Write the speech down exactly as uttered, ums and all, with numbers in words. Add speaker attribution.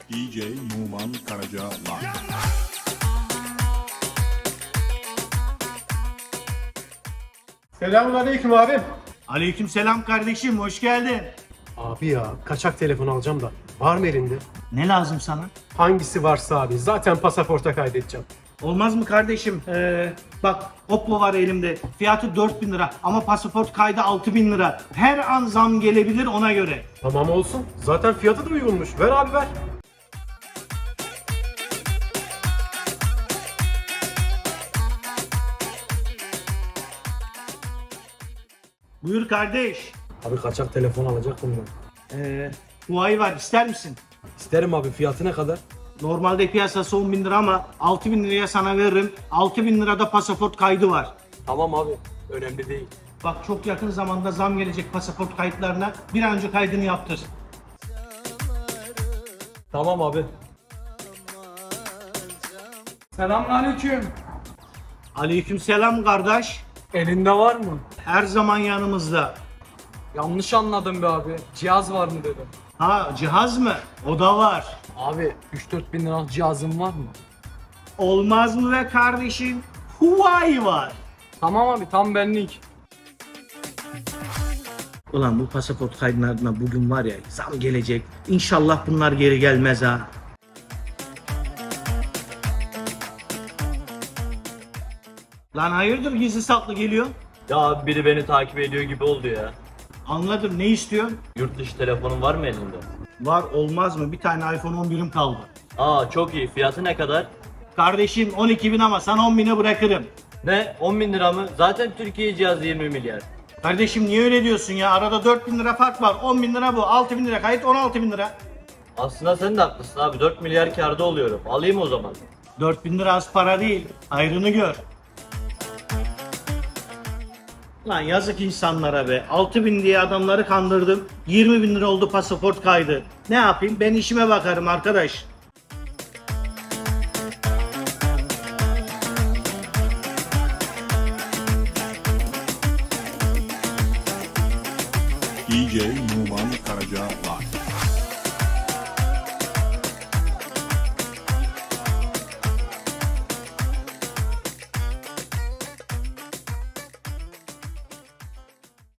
Speaker 1: D J Numan Karaca Live.
Speaker 2: Selamünaleyküm abim.
Speaker 3: Aleykümselam kardeşim, hoş geldin.
Speaker 2: Abi ya kaçak telefon alacağım da var mı elinde?
Speaker 3: Ne lazım sana?
Speaker 2: Hangisi varsa abi zaten pasaporta kaydedeceğim.
Speaker 3: Olmaz mı kardeşim? Ee, bak Oppo var elimde. Fiyatı dört bin lira ama pasaport kaydı altı bin lira. Her an zam gelebilir ona göre.
Speaker 2: Tamam olsun. Zaten fiyatı da uygunmuş. Ver abi ver.
Speaker 3: Buyur kardeş.
Speaker 4: Abi kaçak telefon alacaktım ben.
Speaker 3: Ee, Huawei var, ister misin?
Speaker 4: İsterim abi, fiyatı ne kadar?
Speaker 3: Normalde piyasası on bin lira ama altı bin liraya sana veririm. altı bin lirada pasaport kaydı var.
Speaker 4: Tamam abi, önemli değil.
Speaker 3: Bak çok yakın zamanda zam gelecek pasaport kayıtlarına. Bir an önce kaydını yaptır.
Speaker 4: Tamam abi.
Speaker 5: Selamünaleyküm.
Speaker 3: Aleykümselam kardeş.
Speaker 5: Elinde var mı?
Speaker 3: Her zaman yanımızda.
Speaker 5: Yanlış anladım be abi. Cihaz var mı dedim.
Speaker 3: Ha cihaz mı? O da var.
Speaker 5: Abi üç dört bin liralık cihazın var mı?
Speaker 3: Olmaz mı be kardeşim? Huawei var.
Speaker 5: Tamam abi tam benlik.
Speaker 3: Ulan bu pasaport kaydına bugün var ya zam gelecek. İnşallah bunlar geri gelmez ha. Lan hayırdır gizli saklı geliyor?
Speaker 6: Ya abi biri beni takip ediyor gibi oldu ya.
Speaker 3: Anladım, ne istiyorsun?
Speaker 6: Yurt dışı telefonun var mı elinde?
Speaker 3: Var, olmaz mı? Bir tane iPhone on birim kaldı.
Speaker 6: Aa çok iyi. Fiyatı ne kadar?
Speaker 3: Kardeşim on iki bin ama sana on bine bırakırım.
Speaker 6: Ne? on bin lira mı? Zaten Türkiye cihazı yirmi milyar.
Speaker 3: Kardeşim niye öyle diyorsun ya? Arada dört bin lira fark var. on bin lira bu. altı bin lira kayıt, on altı bin lira.
Speaker 6: Aslında sen de haklısın abi. dört milyar kârda oluyorum. Alayım o zaman.
Speaker 3: dört bin lira az para değil. Hayrını gör. Lan yazık insanlara be. altı bin diye adamları kandırdım. yirmi bin lira oldu pasaport kaydı. Ne yapayım? Ben işime bakarım arkadaş.
Speaker 1: D J Numan